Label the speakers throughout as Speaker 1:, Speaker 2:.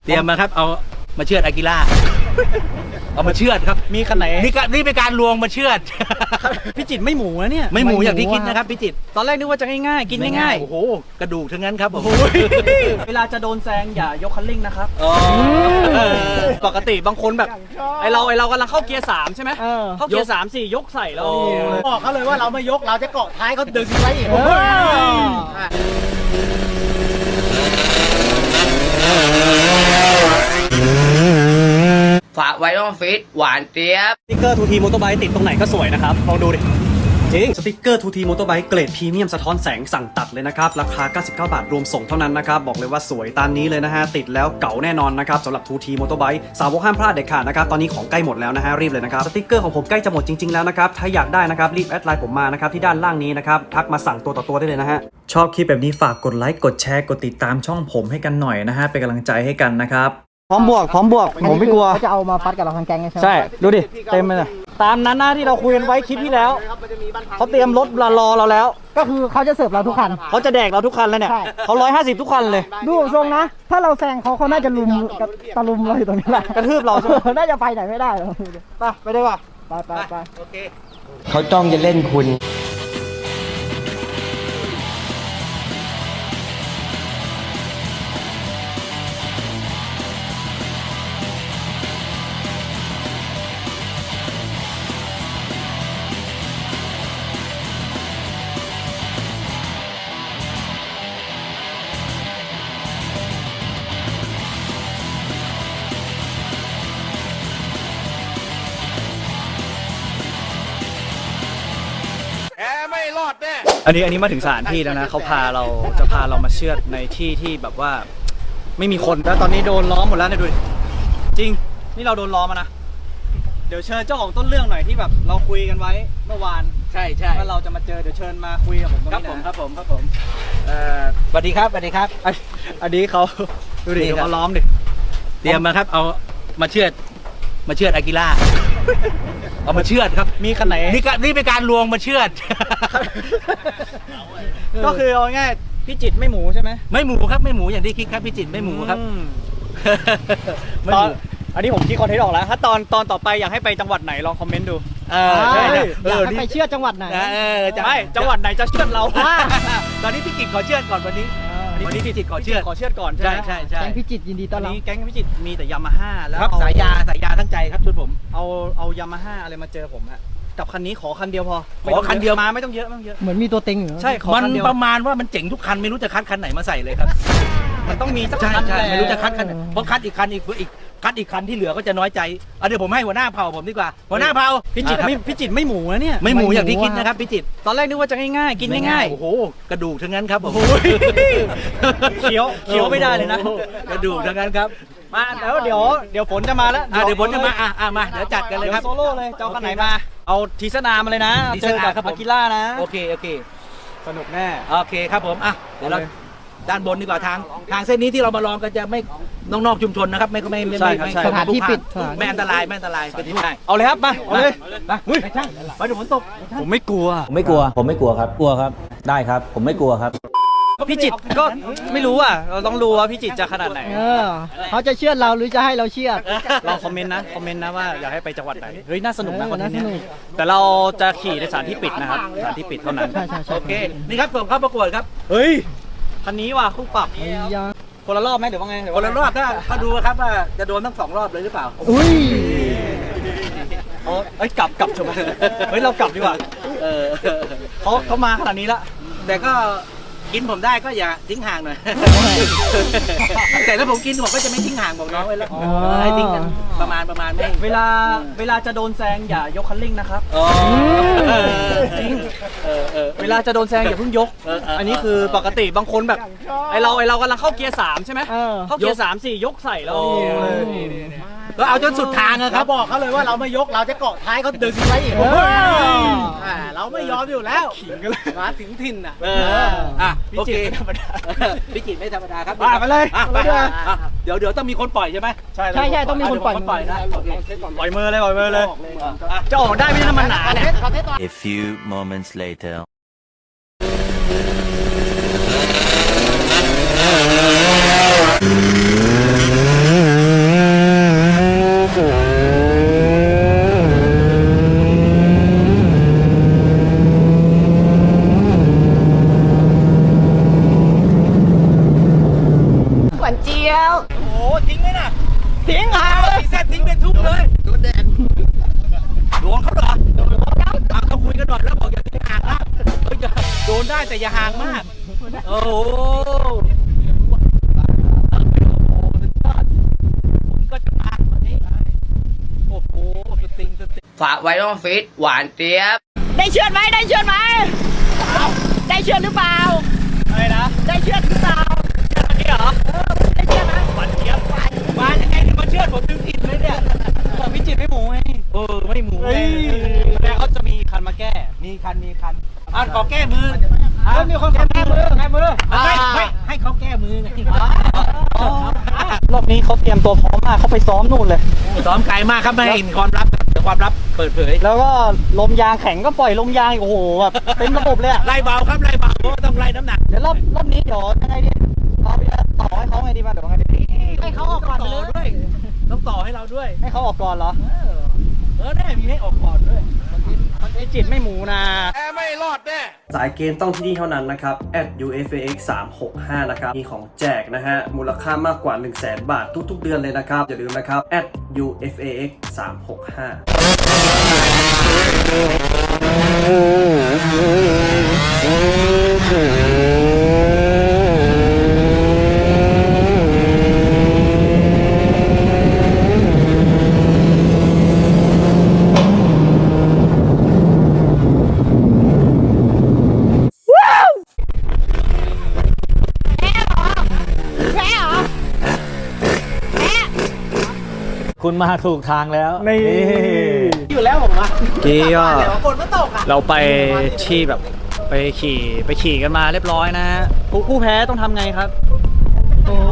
Speaker 1: เตรียมมาครับเอามาเชือดอากิล่าเอามาเชือดครับ
Speaker 2: มีคันไหน
Speaker 1: นี่เป็นการลวงมาเชือด
Speaker 2: พี่จิตรไม่หมูนะเนี่ย
Speaker 1: ไม่หมูอย่างที่คิดนะครับพี่จิตร
Speaker 2: ตอนแรกนึกว่าจะง่ายๆกินง่าย
Speaker 1: โอ้โหกระดูกทั้งนั้นครับโอ้โห
Speaker 2: เวลาจะโดนแซงอย่ายกคันเร่งนะครับปกติบางคนแบบไอเรากำลังเข้าเกียร์3ใช่ไหมเข้าเกียร์3 4ยกใส่เรา
Speaker 3: บอกเขาเลยว่าเราไม่ยกเราจะเกาะท้ายเขาดึงไว้อีก
Speaker 4: ฝากไว้ต้องฟิตหวานเจี๊ยบ
Speaker 2: สติ๊กเกอร์ทูทีมอเตอร์ไบค์ติดตรงไหนก็สวยนะครับลองดูดิจริงสติ๊กเกอร์ทูทีมอเตอร์ไบค์เกรดพรีเมียมสะท้อนแสงสั่งตัดเลยนะครับราคา99 บาทรวมส่งเท่านั้นนะครับบอกเลยว่าสวยตามนี้เลยนะฮะติดแล้วเก๋าแน่นอนนะครับสำหรับทูทีมอเตอร์ไบค์สาวกห้ามพลาดเด็ดขาดนะครับตอนนี้ของใกล้หมดแล้วนะฮะรีบเลยนะครับสติ๊กเกอร์ของผมใกล้จะหมดจริงๆแล้วนะครับถ้าอยากได้นะครับรีบแอดไลน์ผมมานะครับที่ด้านล่างนี้นะครับทักมาสั่งตัวต่อตัวได้เลยนะฮะชอบคลิปแบบนี้ฝากกดไลค์กดแชร์กดติดตามช่องผมให้กันหน่อยนะฮะเป็นกำลังใจให้กันนะครับพร้อมบวกผมไม่กลัว
Speaker 3: เขาจะเอามาฟัดกับเราทั้งแก๊งใช่ไหม
Speaker 2: ใช่ดูดิเต็มเลยตามนั้นหน้าที่เราคุยกันไว้คลิปที่แล้วเขาเตรียมรถรอเราแล้ว
Speaker 3: ก็คือเขาจะเสิร์ฟเราทุกคัน
Speaker 2: เขาจะแดกเราทุกคันเลยเนี่ยเขา150ทุกคันเลย
Speaker 3: ดูทรงนะถ้าเราแซงเขาน่าจะลุมตะลุมเราอยู่ตรงนี้แหละ
Speaker 2: กระทืบเราใช่ไหม
Speaker 3: น่าจะไปไหนไม่ได้หรอก
Speaker 2: ไปได้ป่ะ
Speaker 3: ไป
Speaker 1: โอเค
Speaker 4: เขาจ้องจะเล่นคุณ
Speaker 2: อันนี้มาถึงสถานที่แล้วนะเขาพาเรามาเชือดในที่ที่แบบว่าไม่มีคนแล้วตอนนี้โดนล้อมหมดแล้วเนี่ยดูดิจริงนี่เราโดนล้อมมานะเดี๋ยวเชิญเจ้าของต้นเรื่องหน่อยที่แบบเราคุยกันไว้เมื่อวาน
Speaker 1: ใช่
Speaker 2: ว่าเราจะมาเจอเดี๋ยวเชิญมาคุยกับผมตรงนี้นะครับ
Speaker 1: ผมสวัสดีครับ
Speaker 2: อันนี้เขาดูดิเขาล้อมดิ
Speaker 1: เตรียมมาครับเอามาเชือดอากิล่าเอามาเชือดครับ
Speaker 2: มีคันไหน
Speaker 1: นี่เป็นการลวงมาเชือด
Speaker 2: ก็คือเอาง่ายพี่จิตรไม่หมูใช่ไหม
Speaker 1: ไม่หมูครับไม่หมูอย่างที่คิดครับพี่จิตรไม่หมูครับ
Speaker 2: ตอนอันนี้ผมคิดคอนเทนต์ออกแล้วถ้าตอนต่อไปอยากให้ไปจังหวัดไหนลองคอมเมนต์ดู
Speaker 3: ใช่อยากให้ไปเชื่อจังหวัดไหน
Speaker 2: ไม่จังหวัดไหนจะเชื่อเรา
Speaker 1: ตอนนี้พี่จิตรขอเชื่อก่อนวันนี้พี่จิตรขอเชื่อก่อนใช่
Speaker 3: แก๊งพี่จิตรยินดีต้อนรับ
Speaker 2: แก๊งพี่จิตรมีแต่ยามาฮ่าแล้ว
Speaker 1: สายยาทั้งใจครับชุดผม
Speaker 2: เอายามาฮ่าอะไรมาเจอผมฮะกับคันนี้ขอคันเดียวพอ
Speaker 1: ขอคันเดียว
Speaker 2: มาไม่ต้องเยอะ
Speaker 3: เหมือนมีตัวเต็งอยู่
Speaker 2: ใช่ขอคันเดียว
Speaker 1: ประมาณว่ามันเจ๋งทุกคันไม่รู้จะคัดคันไหนมาใส่เลยครับ
Speaker 2: มันต้องมีสักคัน
Speaker 1: ไม่รู้จะคัดคันเพราะคัดอีกคันที่เหลือก็จะน้อยใจเดี๋ยวผมให้หัวหน้าเผ่าผมดีกว่าหัวหน้าเผ่า
Speaker 2: พี่จิตรไม่หมูนะเนี่ย
Speaker 1: ไม่หมูอย่างที่คิดนะครับพี่จิตร
Speaker 2: ตอนแรกนึกว่าจะง่ายๆกินง่าย
Speaker 1: โอ้โหกระดูกทั้งนั้นครับโอ้โห
Speaker 2: เคี้ยวไม่ได้เลยนะ
Speaker 1: กระดูกทั้งนั้นครับ
Speaker 2: มาแล้วเดี๋ยวฝนจะมาแล้ว
Speaker 1: เดี๋ยวฝนจะมามาเดี๋ยวจัดกันเลยครับ
Speaker 2: โซโล่เลยเจ้าคันไหนมาเอาทีสนามาเลยนะเจอกับอากิล่านะ
Speaker 1: โอเค
Speaker 2: สนุกแน่
Speaker 1: โอเคครับผมเดี๋ยวเราด้านบนดีกว่าทางเส้นนี้ที่เรามาลองกันจะไม่นอกชุมชนนะครับไม่
Speaker 3: สถานที่ปิด
Speaker 1: ไม่อันตรายเป็นที่ได้
Speaker 2: เอาเลยครับมาเอาเลย
Speaker 1: ไปดูฝนตก
Speaker 2: ผมไม่กลัว
Speaker 5: ครับกลัวครับได้ครับผมไม่กลัวครับ
Speaker 2: พี่จิตรก็ไม่รู้เราต้องรู้ว่าพี่จิตรจะขนาดไหน
Speaker 3: เขาจะเชื่อเราหรือจะให้เราเชื่อ
Speaker 2: เราคอมเมนต์นะว่าอยากให้ไปจังหวัดไหนเฮ้ยน่าสนุกนะคอนเทนต์นี้แต่เราจะขี่ในสถานที่ปิดนะครับสถานที่ปิดเท่านั้น
Speaker 3: โ
Speaker 1: อเคนี่ครับผมเข้าประกวดครับ
Speaker 2: เฮ้ยคันนี้ว่ะคู่ปรับคนละรอบไหมหรือว่าไง
Speaker 1: คนละรอบก็ดูครับว่าจะโดนทั้ง2 รอบเลยหรือเปล่า
Speaker 3: อุ้ย
Speaker 2: กลับเถอะเฮ้ยเรากลับดีกว่าเขามาขนาดนี้ละ
Speaker 1: แต่ก็กินผมได้ก็อย่าทิ้งห่างหน่อยแต่ถ้าผมกินผมก็จะไม่ทิ้งห่างบอกน้องไว้แล้วให้ทิ้งกันประมาณไม่
Speaker 2: เวลาจะโดนแซงอย่ายกคันเร่งนะครับจริงเวลาจะโดนแซงอย่าเพิ่งยกอันนี้คือปกติบางคนแบบไอเรากำลังเข้าเกียร์3ใช่ไหมเข้าเกียร์3 4ยกใส่เรา
Speaker 1: ก็เอาจนสุดทางครับ
Speaker 3: บอกเขาเลยว่าเราไม่ยกเราจะเกาะท้ายเขาดึงไว้อีกเราไม่ยอมอยู่แล้วมาถึงถิ่น
Speaker 1: โอเคพี่จิตรไม่ธรรมดาครับ
Speaker 2: ไปเลย
Speaker 1: เดี๋ยวต้องมีคนปล่อยใช่ไหม
Speaker 3: ใช่ต้องมีคนปล่อย
Speaker 1: นะ
Speaker 2: ปล่อยมือเลยจะออกได้ไม่ใช่มันหนาเนี่ย
Speaker 6: A few moments later
Speaker 1: ทิ้งไหมน่ะ
Speaker 3: ทิ้งหางเลย
Speaker 1: ตีเส้นทิ้งเป็นทุ่งเลยโดนแดดโดนเขาเหรอต้องคุยกันหน่อยแล้วบอกอย่าทิ้งห่างนะโดนได้แต่อย่าห่างมากโอ้โหผมก็จะมาวันนี้โอ้โหสติง
Speaker 4: ฝากไว้ต้องฟิตหวานเจี๊ยบ
Speaker 7: ได้เชือดไหมได้เชือดไหมได้เชือดหรือเปล่า
Speaker 3: อะไรนะ
Speaker 7: ได้เชือดหรือเปล่า
Speaker 3: นี่เหรอ
Speaker 7: ได้เชือดไหม
Speaker 3: หวานเจี๊ยบ
Speaker 1: มายังไงเนี่ยมาเชื่อผมดึงผิดเลยเนี่ย
Speaker 3: ของพิจิตรไม่หมูไง
Speaker 1: ไม่หมู
Speaker 3: เฮ้ยแล้วเขาจะมีคันมาแก้
Speaker 1: มีคันขอแก้มือ
Speaker 3: มีคนแก้มือ
Speaker 1: ไม่ให้เขาแก้มือไง
Speaker 3: รอบนี้เขาเตรียมตัวพร้อมมากเขาไปซ้อมนู่นเลย
Speaker 1: ซ้อมไกลมากครับไม่ให้เห็นความลับครับแต่ความลับเปิดเผย
Speaker 3: แล้วก็ลมยางแข็งก็ปล่อยลมยางโอ้โหแบบเต็มระบบเลยอะ
Speaker 1: ไล่เบาครับไล่เบาเพราะว่าต้องไล่น้ำหนัก
Speaker 3: เดี๋ยวรอบนี้เดี๋ยวยังไงดีเราจะต่อให้เขาไงดีมาเดี๋ยวไงดี
Speaker 7: ให้เขาออกก่อน
Speaker 1: ต่อ
Speaker 7: เลย
Speaker 1: ด้วยต้องต่อให้เราด้วย
Speaker 3: ให้เขาออกก่อนเหรอ
Speaker 1: ได้มีให้ออกก่อนด้วย
Speaker 3: พิจิตรไม่หมูนะ
Speaker 2: สายเกมต้องที่นี่เท่านั้นนะครับ @ufax 365นะครับมีของแจกนะฮะมูลค่ามากกว่า 100,000 บาททุกๆเดือนเลยนะครับอย่าลืมนะครับ @ufax
Speaker 7: แพ้เหรอแพ้เหรอแพ้
Speaker 5: คุณมาถูกทางแล้ว
Speaker 3: นี่
Speaker 1: อยู่แล้วผมอะ
Speaker 3: กี้ก็
Speaker 1: เดี๋ยวฝนมันตกอะ
Speaker 3: เราไปที่แบบไปขี่กันมาเรียบร้อยนะฮะผู้แพ้ต้องทำไงครับ โอ้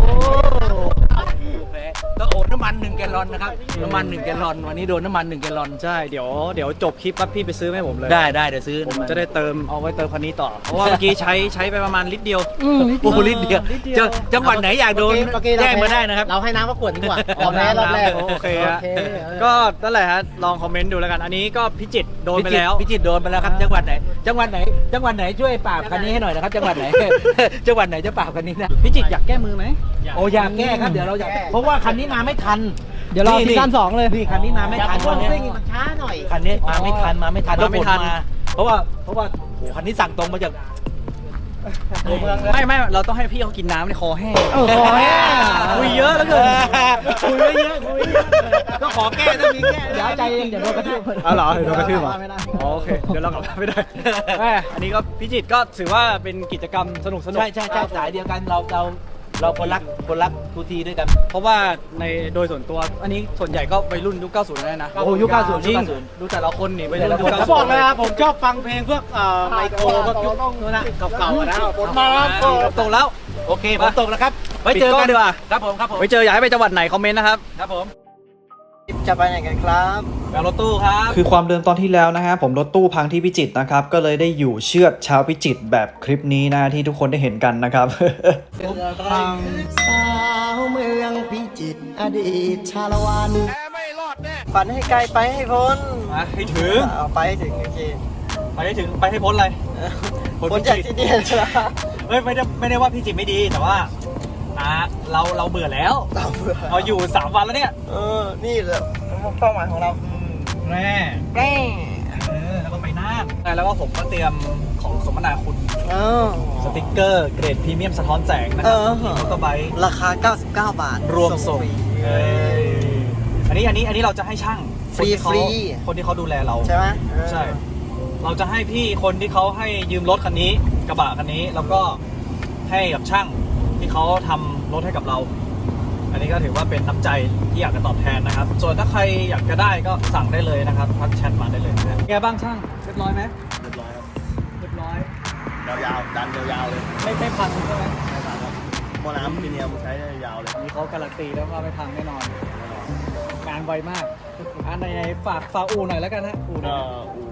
Speaker 1: ก็โอนน้ำมัน1 แกลลอนนะครับน้ำมัน1 แกลลอนวันนี้โดนน้ำมัน1 แกลลอน
Speaker 3: ใช่เดี๋ยวจบคลิปปั๊บพี่ไปซื้อให้ผมเลย
Speaker 1: ได้เดี๋ยวซื้อ
Speaker 3: ผมจะได้เติมเอาไว้เติมคันนี้ต่อ เพราะว่าเมื่อกี้ใช้ไปประมาณลิตรเดียว
Speaker 1: โอ้โหลิตรเดียวจังหวัดไหนอยากโดนแจ้งมาได้นะครับ
Speaker 3: เราให้น้ำก็ขวดดีกว่าแพ้รอบแรกโอเคฮะก็นั่นแหละฮะลองคอมเมนต์ดูแล้วกันอันนี้ก็พิจิตรโดนไปแล้ว
Speaker 1: พิจิตรโดนไปแล้วครับจังหวัดไหนช่วยปราบคันนี้ให้หน่อยนะครับจังหวัดไหน จังหวัดไหนจะปราบคันนี้นะ
Speaker 3: พิจิตรอยากแก้มือไหม
Speaker 1: โอ้อยากแก้ครับเดี๋ยวเราอยากเพราะว่าคันนี้มาไม่ทัน
Speaker 3: เดี๋ยวรอซีซั่น2เลย
Speaker 1: นี่คันนี้มาไม่ทันวันนี้
Speaker 3: มันช้าหน่อย
Speaker 1: คันนี้มาไม่ทัน
Speaker 3: มาไม่ทัน
Speaker 1: เพราะว่าโอ้คันนี้สั่งตรงมาจากตัวเมืองเลย
Speaker 3: ไม่เราต้องให้พี่เขากินน้ำในคอแห้ง
Speaker 1: คอแห้ง
Speaker 3: คุยเยอะแล้วเกิน
Speaker 1: คุยเยอะก็ขอแก้ต้องมีแก้
Speaker 3: เดี๋ยวใจเองเดี๋ยวโดนกระทืบอ๋อเหรอโดนกระทืบเหรอโอเคเดี๋ยวเรากลับบ้านไม่ได้แม่อันนี้ก็พิจิตรก็ถือว่าเป็นกิจกรรมสนุก
Speaker 1: ใช่สายเดียวกันเราคนรักทูทีด้วยกัน
Speaker 3: เพราะว่าในโดยส่วนตัวอันนี้ส่วนใหญ่ก็วัยรุ่นยุค 90นั่นนะ
Speaker 1: โอ้ยุค 90
Speaker 3: จริง
Speaker 1: ยุค 90
Speaker 3: ดูแต่ละคนนี่วัยรุ่นยุค
Speaker 1: ผม
Speaker 3: 90
Speaker 1: บอกเลยนะผมชอบฟังเพลงพวกไมโครพวกยุคนู้นนะเก่าๆนะฝนมาแล้ว
Speaker 3: ตกแล้ว
Speaker 1: โอเคฝนตกแล้วครับไว้เจอกัน
Speaker 3: ดีกว่า
Speaker 1: ครับผม
Speaker 3: ไว้เจออยากให้ไปจังหวัดไหนคอมเมนต์นะครับ
Speaker 1: ครับผม
Speaker 3: จะไปไหนกันครับแบบรถตู้ครับ
Speaker 2: คือความเดิมตอนที่แล้วนะฮะผมรถตู้พังที่พิจิตรนะครับก็เลยได้อยู่เชือดชาวพิจิตรแบบคลิปนี้นะที่ทุกคนได้เห็นกันนะครับ
Speaker 8: สาวเมืองพิจิตรอดีตชาละวันฝันให้ไกลไปให้พ้น
Speaker 3: มาให้ถึง
Speaker 8: เอาไปให้ถึงโอเค
Speaker 3: ไปให้ถึงไปให้พ้นอะไร
Speaker 8: พ้นจากที่นี่นะ
Speaker 3: เฮ้ยไม่ได้ว่าพี่จิตรไม่ดีแต่ว่าเราเบื่อแล้ว
Speaker 8: เราเบื่อ
Speaker 3: เราอยู่3 วันแล้วเนี่ย
Speaker 8: นี่แหละเป้าหมายของเรา
Speaker 3: แม่
Speaker 8: แก้
Speaker 3: แล้วก็ไปน่านแล้วก็ผมก็เตรียมของสมนาคุณ
Speaker 8: เออ
Speaker 3: สติกเกอร์เกรดพรีเมียมสะท้อนแสงนะครั
Speaker 8: เออ
Speaker 3: มอเตอร์ไบค์
Speaker 8: ราคา 99 บาท
Speaker 3: รวมส่ง
Speaker 8: ฟรี
Speaker 3: อันนี้เราจะให้ช่าง
Speaker 8: ฟรี
Speaker 3: คนที่เขาดูแลเรา
Speaker 8: ใช่ไหม
Speaker 3: ใช่ เราจะให้พี่คนที่เขาให้ยืมรถคันนี้กระบะคันนี้แล้วก็ให้กับช่างที่เขาทำรถให้กับเรา อันนี้ก็ถือว่าเป็นน้ำใจที่อยากจะตอบแทนนะครับ ส่วนถ้าใครอยากจะได้ก็สั่งได้เลยนะครับทักแชทมาได้เลยนะแกบ้างช่างเรียบร้อยไหมเรียบร้อยครับเรียบร้อย
Speaker 9: ยาวๆดันยาวๆเลย
Speaker 3: ไม่พังใช่ไหม
Speaker 9: หม้อน้ำมีเนียมใช้ได้ยาวเลย
Speaker 3: มีเขาการันตีแล้วว่าไม่พังแน่นอนงานไวมากอันไหนฝากอู่หน่อยแล้วกันฮะอู่หน่
Speaker 9: ก็
Speaker 3: อย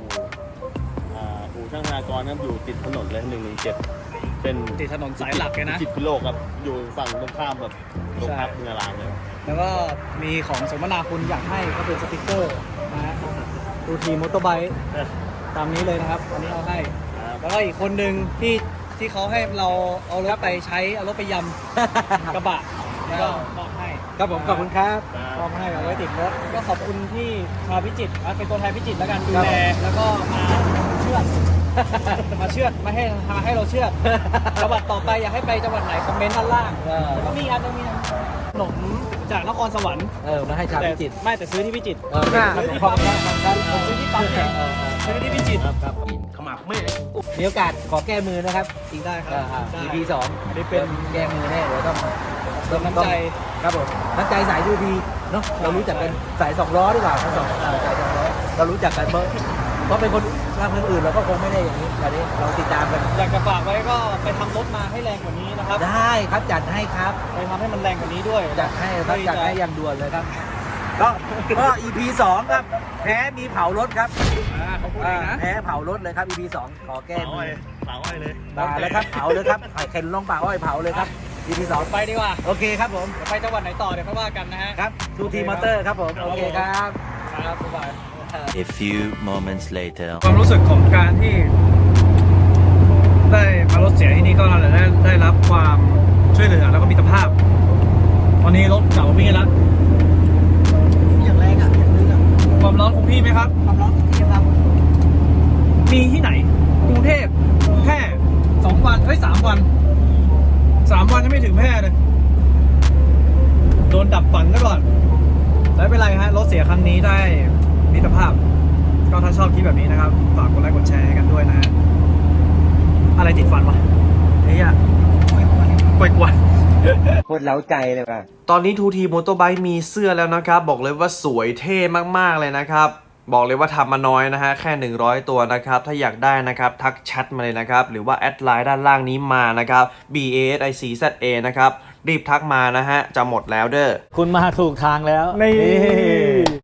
Speaker 9: อู่ช่างธนากรครับอยู่ติดถนนเลย117เป็น
Speaker 3: ติดถนนสายหลักเลยนะ
Speaker 9: พิจิตรพิโลกครับอยู่ฝั่งตรงข้ามแบบโรงพักเมืองรางเลย
Speaker 3: แล้วก็มีของสมนาคุณอยากให้ก็เป็นสติกเกอร์นะฮะดูทีมอเตอร์ไบค์ตามนี้เลยนะครับวันนี้เอาให้แล้วก็อีกคนหนึ่งที่เขาให้เราเอารถไปใช้เอารถไปยำกระบะแล้วก็มอบให้ครับผมขอบคุณครับมอบให้เอาไว้ติดรถก็ขอบคุณที่ชาวพิจิตรเป็นตัวแทนพิจิตรแล้วกันดูแลแล้วก็มาเชื่อด มาเชื่อดมาให้เราเชื่อดจังหวัดต่อไปอยากให้ไปจังหวัดไหนคอมเมนต์ด้านล่างแล้วก็มีอันนึงมีขนมจากนครสวรรค์
Speaker 8: มาให้ชาวพิจิตร
Speaker 3: ไม่แต่ซื้อที่พิจิตร
Speaker 8: ขอบคุณครับ
Speaker 3: ซื้อที่ปั๊มเองซื้อที่พิจิตร
Speaker 1: ขมับแม่
Speaker 8: มีโอกาสขอแก้มือนะครับ
Speaker 3: อีกได้ครับ
Speaker 8: EP 2
Speaker 3: อันนี้เป็น
Speaker 8: แก้มือแน่เดี๋ยวต้อง
Speaker 3: น้ำใจ
Speaker 8: ครับผมน้ำใจสายยูพีเนาะเรารู้จักกันสาย2 ล้อดีกว่าสาย2 ล้อเรารู้จักกันเพราะเป็นคนทางอื่นเราก็คงไม่ได้อย่างนี้ตอนนี้เราติดตามกัน
Speaker 3: อยากจะฝากไว้ก็ไปทำรถมาให้แรงกว่านี้นะครับ
Speaker 8: ได้ครับจัดให้ครับ
Speaker 3: ไปทำให้มันแรงกว่านี้ด้วย
Speaker 8: จัดให้ครับจัดให้อย่างด่วนเลยครับก็ EP 2 ครับแพ้มีเผารถครับ
Speaker 3: เขาพูดเองนะ
Speaker 8: แพ้เผารถเลยครับ EP 2 ขอแก้
Speaker 9: เผา
Speaker 8: มื
Speaker 9: อ้อ
Speaker 8: อย
Speaker 9: เผาอ้อยเลย
Speaker 8: มาแล้วครับเผาเลยครับเข็นลงป่าอ้อยเผาเลยครับ EP 2
Speaker 3: ไปดีกว่า
Speaker 8: โอเคครับผม
Speaker 3: เดี๋ยวไปจังหวัดไหนต่อเดี๋ยวค่อยว่ากันนะฮะ
Speaker 8: ครับทูทีมอเตอร์ครับผม โอเคครับ
Speaker 3: ครับบ๊ายบาย
Speaker 6: A few moments later.
Speaker 3: ความรู้สึกของการที่ได้มารถเสียที่นี่ก็ได้รับความช่วยเหลือแล้วก็มิตรภาพ ตอนนี้รถเก่าวิ่งแล้ว
Speaker 8: อย่างแรงอ่ะอย่างนึงอ่ะ
Speaker 3: ความร้อนคงที่ไหมครับ
Speaker 8: ความร้อนที่ครับ
Speaker 3: มีที่ไหนกรุงเทพแค่2 วัน3 วัน3 วันยังไม่ถึงแพร่เลยโดนดับฝันซะก่อนไม่เป็นไรฮะรถเสียครั้งนี้ได้มิตรภาพ ก็ถ้าชอบคลิปแบบนี้นะครับฝากกดไลค์กดแชร์ให้กันด้วยนะฮะอะไรติดฟันวะไอ้เหี้ยกวย
Speaker 8: โคตรเล้าใจเลยว่ะ
Speaker 2: ตอนนี้ทูทีมอเตอร์ไบค์มีเสื้อแล้วนะครับ บอกเลยว่าสวยเท่มากๆเลยนะครับ บอกเลยว่าทำมาน้อยนะฮะแค่100 ตัวนะครับ ถ้าอยากได้นะครับทักแชทมาเลยนะครับ หรือว่าแอดไลน์ด้านล่างนี้มานะครับ BASICZA นะครับ รีบทักมานะฮะจะหมดแล้วเด้อ
Speaker 5: คุณมาถูกทางแล้ว
Speaker 3: นี่